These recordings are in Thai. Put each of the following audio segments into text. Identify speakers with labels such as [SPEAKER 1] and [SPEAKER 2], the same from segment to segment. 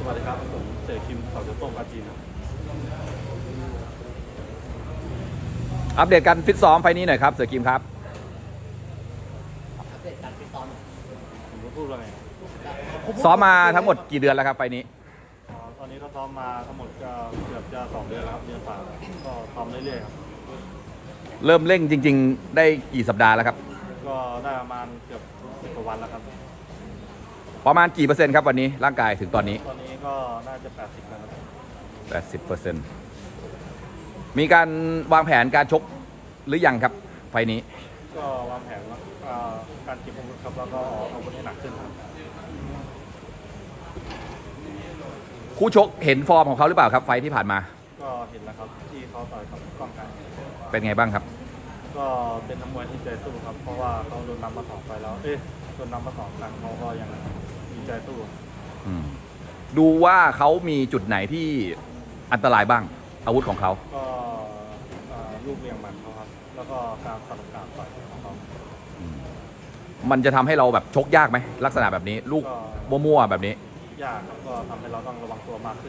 [SPEAKER 1] วัสดีครับผมเสกคิมเขาจะต้มปลาจีนครับ
[SPEAKER 2] อัปเดตการฟิตซ้อมไฟนี้หน่อยครับเสือกิมครับ
[SPEAKER 3] อัปเดตการฟิตซ้อม
[SPEAKER 1] ผมจะพูดว่าไง
[SPEAKER 2] ซ้อมมาทั้งหมดกี่เดือนแล้วครับไฟนี้
[SPEAKER 1] ตอนนี้ก็ซ้อมมาทั้งหมดก็เกือบจะ2 เดือนแล้วครับเดือนฝ่าก็ซ้อมเรื่อยๆครับ
[SPEAKER 2] เริ่มเร่งจริงๆได้กี่สัปดาห์แล้วครับ
[SPEAKER 1] ก็ได้ประมาณเกือบ10 กว่าวันแล้วครับ
[SPEAKER 2] ประมาณกี่เปอร์เซ็นต์ครับวันนี้ร่างกายถึงตอนนี้
[SPEAKER 1] ก็น่าจะ80แล้วครับ
[SPEAKER 2] 80%มีการวางแผนการชกหรือยังครับไฟนี้
[SPEAKER 1] ก็วางแผนว่าการเก็บอาวุธครับแล้วก็เอาอาวุธให้หนักขึ้นครับ
[SPEAKER 2] คู่ชกเห็นฟอร์มของเขาหรือเปล่าครับไฟที่ผ่านมา
[SPEAKER 1] ก็เห็นแล้วครับที่เขาต่อยกับกล้องกัน
[SPEAKER 2] เป็นไงบ้างครับ
[SPEAKER 1] ก็เป็นนักมวยที่ใจสู้ครับเพราะว่าเขาโดนนำมา2 ไฟแล้วโดนนำมา2 ครั้งเขาก็ยังมีใจสู้
[SPEAKER 2] ดูว่าเขามีจุดไหนที่อันตรายบ้างอาวุธของเขา
[SPEAKER 1] ก็ลูกเลี้ยงมันเขาครับแล้วก็การสลับการต่อยของเขา
[SPEAKER 2] มันจะทำให้เราแบบชกยากไหมลักษณะแบบนี้ลูกมั่วๆแบบนี้
[SPEAKER 1] ยากครับก็ทำให้เราต้องระวังตัวมากขึ้น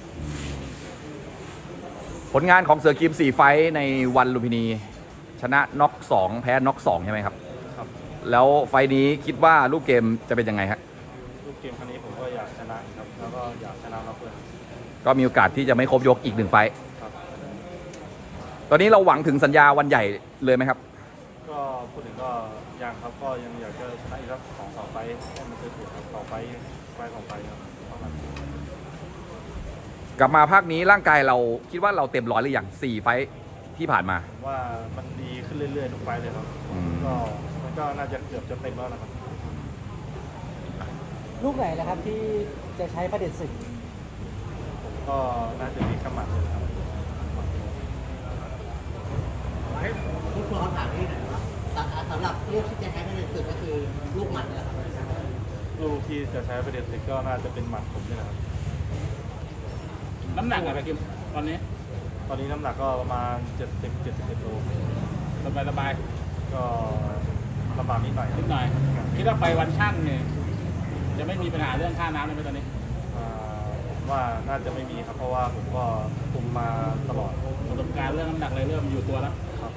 [SPEAKER 2] ผลงานของเสือกิม4 ไฟท์ในวันลุมพินีชนะน็อก2แพ้น็อก2ใช่ไหมครับ
[SPEAKER 1] ครับ
[SPEAKER 2] แล้วไฟท์นี้คิดว่ารูปเกมจะเป็นยังไงครับ
[SPEAKER 1] รูปเกมครั้งนี้ผมก็อยากชนะครับแล้วก็อยากชนะเราเพื่อน
[SPEAKER 2] ก็มีโอกาสที่จะไม่ครบยกอีก1 ไฟท์ตอนนี้เราหวังถึงสัญญาวันใหญ่เลยไหมครับ
[SPEAKER 1] ก็พูดถึงก็ยังครับก็ยังอยากจะชนะอีกสัก2 ไฟท์ให้มันถูกครับ2 ไฟท์2 ไฟท์ครับ
[SPEAKER 2] กลับมาภาคนี้ร่างกายเราคิดว่าเราเต็มร้อยหรือยัง4 ไฟท์ที่ผ่านมา
[SPEAKER 1] ว่ามันดีขึ้นเรื่อยๆทุกไฟท์เลยครับก็มันก็น่าจะเกือบจะเต็มแล้วนะครับ
[SPEAKER 3] ลูกไหนนะครับที่จะใช้ประเด็นศึก
[SPEAKER 1] ผมก็น่าจะมีขมัดเลยครับ
[SPEAKER 3] ลูกร้อนถามนี่หน่อยว่าสำหรับลูกที่จะใช้ประเด็นศึกก็คือลูกหมัดนี่แหละครับ
[SPEAKER 1] ลูกที่จะใช้ประเด็นศึกก็น่าจะเป็นหมัดผมนี่แหละครับ
[SPEAKER 4] น้ำหนักอะไรกิมตอนนี้
[SPEAKER 1] น้ำหนักก็ประมาณ70-71 โล
[SPEAKER 4] สบาย
[SPEAKER 1] ก็ลำบากนิดหน่อย
[SPEAKER 4] คิดว่าไปวันช่างเนี่ยจะไม่มีปัญหาเรื่องค่าน้ำเลยไหมตอนนี้
[SPEAKER 1] ผมว่าน่าจะไม่มีครับเพราะว่าผมก็คุมมาตลอด
[SPEAKER 4] ประสบการณ์เรื่องน้ำหนักเลยเริ่มอยู่ตัวแล้ว
[SPEAKER 1] ครับ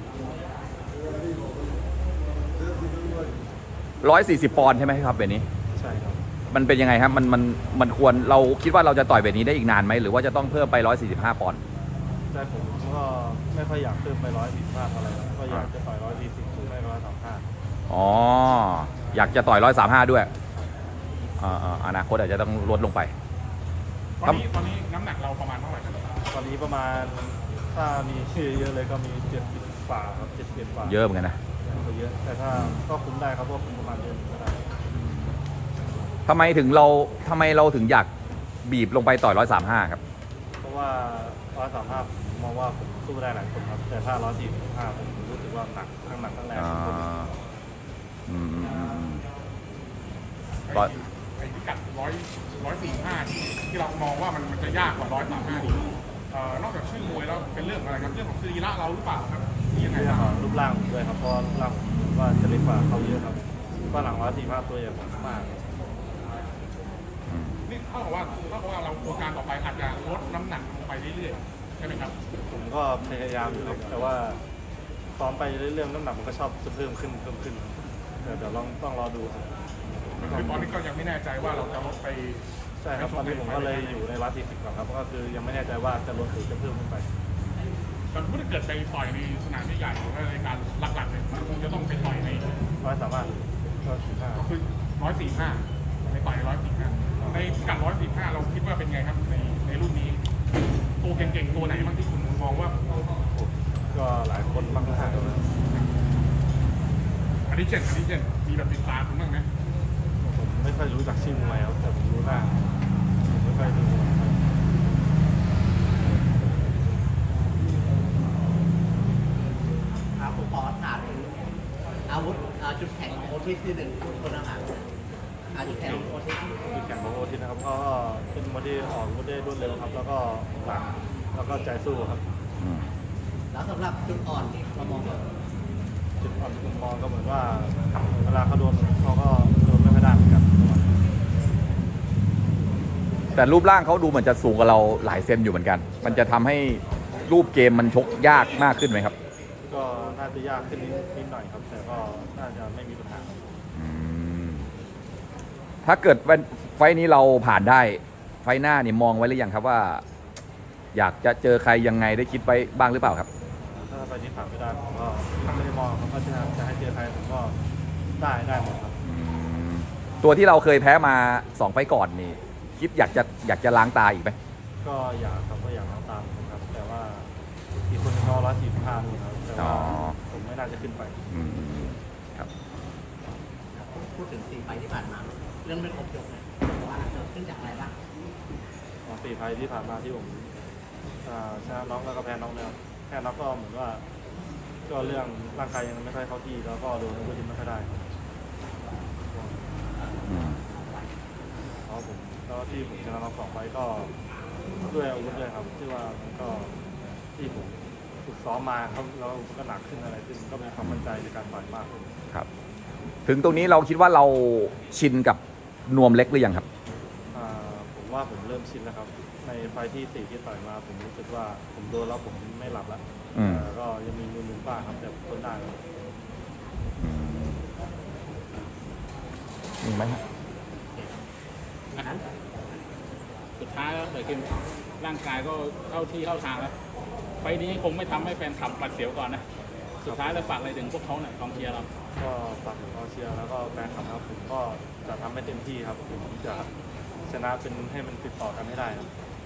[SPEAKER 2] 140 ปอนด์ใช่ไหมครับเบนนี้
[SPEAKER 1] ใช่ครับ
[SPEAKER 2] มันเป็นยังไงครับมันควรเราคิดว่าเราจะต่อยแบบนี้ได้อีกนานไหมหรือว่าจะต้องเพิ่มไป145 ปอนด์
[SPEAKER 1] ใช่ผมก็ไม่ค่อยอยากเพิ่มไป145อะไรก็อยากจะต่อย140หรือไม่135
[SPEAKER 2] อ๋ออยากจะต่อย135ด้วยอนาคตอาจจะต้องลดลงไป
[SPEAKER 4] ตอนนี้น้ำหนักเราประมาณเท่าไหร่ครับ
[SPEAKER 1] ตอนนี้ประมาณถ้ามีชื่อเยอะเลยก็มี70 ฝ่าครับ71 ฝ่า
[SPEAKER 2] เยอะเหมือนกันนะ
[SPEAKER 1] เยอะแต่ถ้าก็คุมได้ครับเพราะคุมประมาณเดือนก็ได้
[SPEAKER 2] ทำไมเราถึงอยากบีบลงไปต่อย135ครับ
[SPEAKER 1] เพราะว่า135มองว่าผมสู้ได้หลายคนครับแต่ถ้า145ผมรู้สึกว่าหนักทั้งแรง
[SPEAKER 4] ไอ้พิกัด145ที่เรามองว่ามันจะยากกว่า135ดีนอกจากชื่อมวยแล้วเป็นเรื่องอะไรครับเรื่องของสรีระเราหรือเปล่าครับที่ยังไงครับ
[SPEAKER 1] รูปร่างด้วยครับเพราะรูปร่างว่าจะเล็กกว่าเขาเยอะครับว่าหลัง145ตัวใหญ่มาก
[SPEAKER 4] นี่เท่ากับว่าเราโครงการต่อไปอาจจะลดน้ำหนักลงไปเรื่อยๆใช่ไหมครับ
[SPEAKER 1] ผมก็พยายามอยู่ครับแต่ว่าซ้อมไปเรื่อยๆน้ำหนักมันก็ชอบจะเพิ่มขึ้นเดี๋ยวต้องรอดูครับ
[SPEAKER 4] ตอนนี้ก็ยังไม่แน่ใจว่าเราจะลดไป
[SPEAKER 1] ใช่ครับตอนนี้ผมก็เลยอยู่ใน140ก่อนครับก็คือยังไม่แน่ใจว่าจะลดหรือจะเพิ่มขึ้นไป
[SPEAKER 4] แต่ถ้าเกิดไปต่อยในสนามใหญ่ๆหรือในการหลักๆเนี่ยมันคงจะต้องไปต่อยใน
[SPEAKER 1] 135ก็
[SPEAKER 4] คือ145ไปต่อย145ในพิกัด145เราคิดว่าเป็นไงครับในรุ่นนี้ตัวเก่งๆตัวไหนบ้างที่คุณมองว่า
[SPEAKER 1] ก็หลายคนมากๆเลย
[SPEAKER 4] อันนี้เจนมีแบบติดตามคุณบ้างไหม
[SPEAKER 1] ผมไม่ค่อยรู้จักชื่อมวยครับแต่ผมรู้หน้าผมไม่ค่อยดู
[SPEAKER 3] ผมขอถามอาวุธจุดแข็งของโอทิสที่1คนอาหารจุดแข็งของโอทิ
[SPEAKER 1] สนะครับก็เป็นมวยที่ออกอาวุธได้รวดเร็วครับแล้วก็หลังแล้วก็ใจสู้ครับ
[SPEAKER 3] แล้วสำหรับจุดอ่อนที่เรามอง
[SPEAKER 1] จุดอ่อนที่ผมมองก็เหมือนว่าเวลาเขาโดนเขาก็โดนไม่ค่อยได้เหมือนกัน
[SPEAKER 2] แต่รูปร่างเขาดูเหมือนจะสูงกว่าเราหลายเซนอยู่เหมือนกัน มันจะทำให้รูปเกมมันชกยากมากขึ้นไหมครับ
[SPEAKER 1] ก็น่าจะยากขึ้นนิดหน่อยครับ แต่ก็น่าจะไม่มีปัญหา
[SPEAKER 2] อืมถ้าเกิดไฟล์นี้เราผ่านได้ ไฟล์หน้านี่มองไว้หรือยังครับว่า อยากจะเจอใครยังไงได้คิดไว้บ้างหรือเปล่าครับ
[SPEAKER 1] ถ้าไปที่ผ่านไม่ได้ผมก็ไม่ได้มองครับว่าจะให้เจอใครผมก็ได้หมดครับ
[SPEAKER 2] ตัวที่เราเคยแพ้มา2 ไฟล์ก่อนนี่ คิดอยากจะล้างตาอีกไหม
[SPEAKER 1] ก็อยากครับก็อยากล้างตามผมครับ แต่ว่าอีกคนนึงก็145นี่ครับแต่ว่าผมไม่น่าจะขึ้นไป
[SPEAKER 2] อืมครับ
[SPEAKER 3] พูดถึง4 ไฟล์ที่ผ่านมา เรื่องไม่ครบยกเนี่ยว่าเกิดขึ้นจากอะไรบ้าง
[SPEAKER 1] 4 ไฟล์ที่ผ่านมาที่ผมชนะน็อกแล้วก็แพ้น็อกเนี่ยครับแพ้น็อกก็เหมือนว่า ก็เรื่องร่างกายยังไม่ค่อยเข้าที่แล้วก็โดนอาวุธไม่ค่อยได้ครับ
[SPEAKER 2] อืม
[SPEAKER 1] เพราะผมแล้วที่ผมชนะน็อก2 ไฟล์ก็ด้วยอาวุธด้วยครับที่ว่ามันก็ที่ผมฝึกซ้อมมาครับแล้วก็หนักขึ้นอะไรขึ้นก็มีความมั่นใจในการต่อยมากขึ้น
[SPEAKER 2] ครับ ถึงตรงนี้เราคิดว่าเราชินกับนวมเล็กหรือยังครับ
[SPEAKER 1] ผมว่าผมเริ่มชินแล้วครับ ในไฟล์ที่4ที่ต่อยมาผมรู้สึกว่าผมโดนแล้วผมไม่หลับแล้ว
[SPEAKER 2] อืม
[SPEAKER 1] ก็ยังมีมือบ้างครับแต่ทนได้ครับ
[SPEAKER 2] มีไหมครับ
[SPEAKER 3] นั้น
[SPEAKER 5] สุดท้ายแล้วเกิดขึ้นร่างกายก็เข้าที่เข้าทางแล้ว ไฟล์นี้คงไม่ทำให้แฟนคลับหวาดเสียวก่อนนะ สุดท้ายแล้วฝากอะไรถึงพวกเขาหน่อยกองเชียร์เรา
[SPEAKER 1] ก็ฝากถึงกองเชียร์แล้วก็แฟนคลับครับผมก็จะทำให้เต็มที่ครับผมจะชนะเป็นให้มันติดต่อกันให้ได้ครับ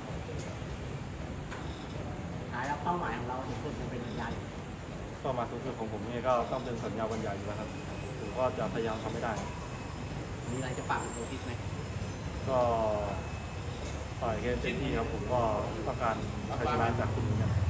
[SPEAKER 3] ท้ายแล้วเป้าหมายของเราถึงสุดจะเป็นยังไง
[SPEAKER 1] ก็มาสูงสุดของผมนี่ก็ต้องเป็นสัญญาวันใหญ่อยู่แล้วครับผมก็จะพยายามทำให้ได้ครับ
[SPEAKER 3] มีอะไรจะฝากถึงโอทิสไหม
[SPEAKER 1] ก็ต่อยเกมเต็มที่ครับผมก็ต้องการชัยชนะจากคุณเหมือนกัน